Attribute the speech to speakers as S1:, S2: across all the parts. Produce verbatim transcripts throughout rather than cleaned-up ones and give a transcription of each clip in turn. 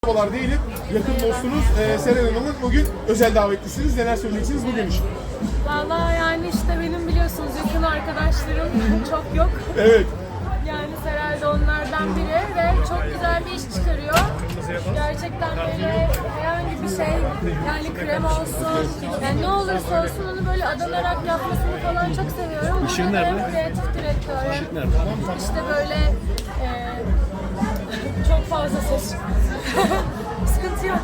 S1: Merhabalar diyelim. Yakın dostunuz e, Seren Hanım'ın bugün özel davetlisiniz. Neler söyleyeceksiniz bugün için?
S2: Valla yani işte benim biliyorsunuz yakın arkadaşlarım çok yok.
S1: Evet.
S2: Yani Seren de onlardan biri ve çok güzel bir iş çıkarıyor. Gerçekten böyle herhangi bir şey, yani krem olsun, yani ne olursa olsun onu böyle adanarak yapmasını falan çok seviyorum.
S3: İşin
S2: Burada da
S3: nerede?
S2: hem kreatif direktör,
S3: İşin nerede?
S2: işte böyle e, çok fazla ses. Sıkıntı yok.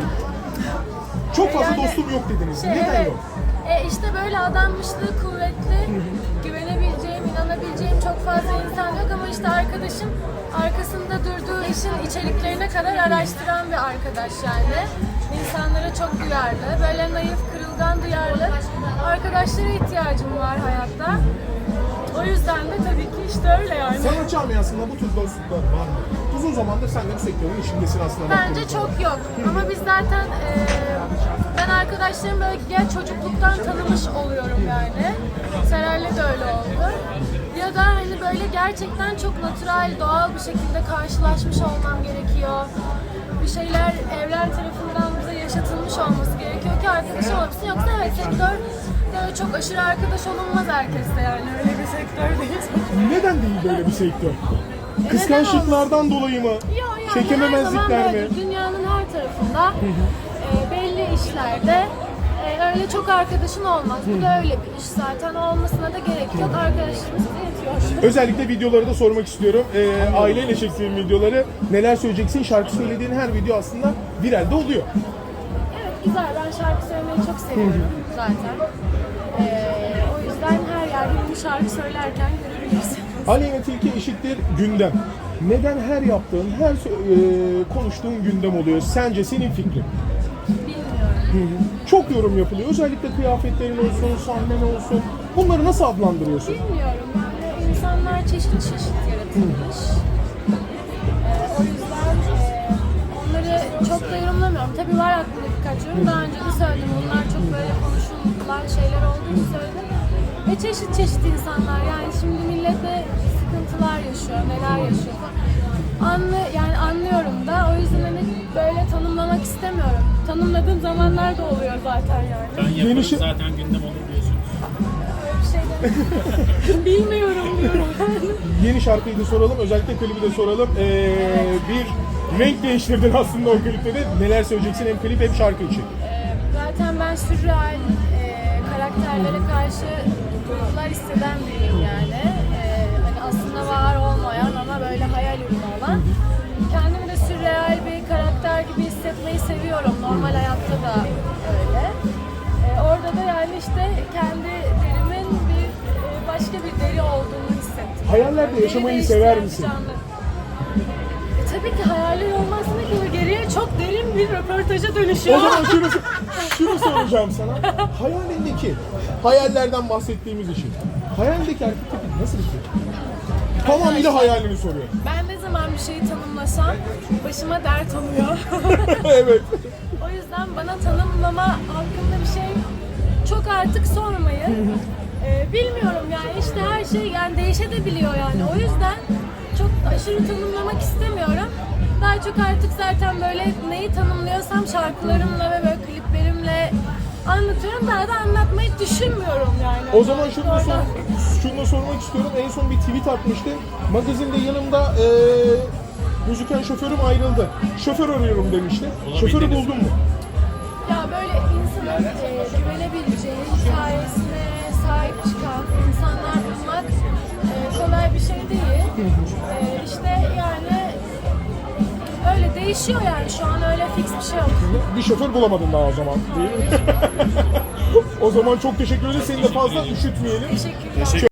S1: Çok fazla
S2: Yani
S1: dostum yok dediniz.
S2: Şey,
S1: Neden
S2: evet.
S1: yok?
S2: E işte böyle adanmışlığı kuvvetli, güvenebileceğim, inanabileceğim çok fazla insan yok ama işte arkadaşım arkasında durduğu işin içeriklerine kadar araştıran bir arkadaş yani. İnsanlara çok duyarlı, böyle naif, kırılgan, duyarlı arkadaşlara ihtiyacım var hayatta. O yüzden de tabii ki işte öyle yani.
S1: Sanat camiasında bu tür dostluklar var mı? Uzun zamandır sen de bu sektörün içindesin aslında.
S2: Bence
S1: baktığınız zaman.
S2: çok yok. Ama biz zaten e, ben arkadaşlarım böyle ya çocukluktan tanımış oluyorum yani. Seray'la da öyle oldu. Ya da hani böyle gerçekten çok natürel, doğal bir şekilde karşılaşmış olmam gerekiyor. Bir şeyler evren tarafından bize yaşatılmış olması gerekiyor ki arkadaş olabilsin. Yoksa evet sektör böyle çok aşırı arkadaş olunmaz herkesle yani öyle bir sektör değil.
S1: Neden değil böyle bir sektör?
S2: E,
S1: Kıskançlıklardan dolayı mı?
S2: Yok yani her zaman
S1: Çekememezlikler mi?
S2: böyle dünyanın her tarafında e, belli işlerde e, öyle çok arkadaşın olmaz. Bu da öyle bir iş zaten. Olmasına da gerek yok. Arkadaşımız yetiyor.
S1: Özellikle videoları da sormak istiyorum. Ee, aileyle çektiğim videoları neler söyleyeceksin? Şarkı söylediğin her video aslında viralde oluyor.
S2: Evet güzel. Ben şarkı söylemeyi çok seviyorum zaten. E, o yüzden her yerde bunu şarkı söylerken görürüz.
S1: Aleyna Tilki eşittir gündem. Neden her yaptığın, her sö- e, konuştuğun gündem oluyor? Sence senin fikrin?
S2: Bilmiyorum.
S1: Çok yorum yapılıyor. Özellikle kıyafetlerin olsun, sahnen olsun. Bunları nasıl adlandırıyorsun?
S2: Bilmiyorum. Yani insanlar çeşit çeşit yaratılmış. Ee, o yüzden e, onları çok da yorumlamıyorum. Tabii var aklımda birkaç yorum. Daha önce de söyledim. Bunlar çok böyle konuşulan şeyler olduğunu söyledim. Ve çeşit çeşit insanlar. Yani şimdi millet de sıkıntılar yaşıyor, neler yaşıyor. Anlı, yani anlıyorum da. O yüzden hani böyle tanımlamak istemiyorum. Tanımladığım zamanlar da oluyor zaten yani.
S3: Ben yaparım
S1: Yeni şey-
S3: zaten gündem olur diyorsunuz.
S2: Öyle bir şey demiyorum. Bilmiyorum diyorum.
S1: Yeni şarkıyı da soralım, özellikle klibi de soralım. Ee, bir renk değiştirdin aslında o klipte de. Neler söyleyeceksin hem klip hem şarkı için?
S2: Ee, Zaten ben sürreal e, karakterlere karşı duygular hisseden biriyim yani. Ee, hani aslında var olmayan ama böyle hayal ürünü olan. Kendimi de sürreal bir karakter gibi hissetmeyi seviyorum. Normal hayatta da öyle. Ee, orada da yani işte kendi derimin bir e, başka bir deri olduğunu hissettim.
S1: Hayallerde
S2: Deri
S1: yaşamayı
S2: değiştiren
S1: sever
S2: bir
S1: misin?
S2: canlı. E, tabii ki hayaller olmazsa ki geriye çok derin bir röportaja dönüşüyor.
S1: O zaman şunu, şunu soracağım sana. Hayalindeki, hayallerden bahsettiğimiz için. Hayalindeki erkek tipi nasıl bir şey? Tamamıyla hayalini soruyor.
S2: Ben ne zaman bir şeyi tanımlasam başıma dert oluyor.
S1: Evet.
S2: O yüzden bana tanımlama hakkında bir şey çok artık sormayın. Ee, bilmiyorum yani işte her şey yani değişebiliyor yani. O yüzden çok aşırı tanımlamak istemiyorum. Daha çok artık zaten böyle neyi tanımlıyorsam şarkılarımla ve böyle kliplerimle anlatıyorum. Daha da anlatmayı düşünmüyorum yani.
S1: O zaman şunu da, sor,
S2: Oradan-
S1: şunu da sormak istiyorum. En son bir tweet atmıştın. Magazinde yanımda eee gözüken şoförüm ayrıldı. Şoför arıyorum demişti. Şoförü buldun mu?
S2: Ya böyle insanın e, güvenebileceği, hikayesine sahip çıkan insanlar bulmak e, kolay bir şey değil. E, işte yani öyle değişiyor yani şu an öyle fix bir şey yok.
S1: Bir şoför bulamadın daha o zaman değil mi? O zaman çok teşekkür ederiz. Seni de fazla üşütmeyelim.
S2: Teşekkürler.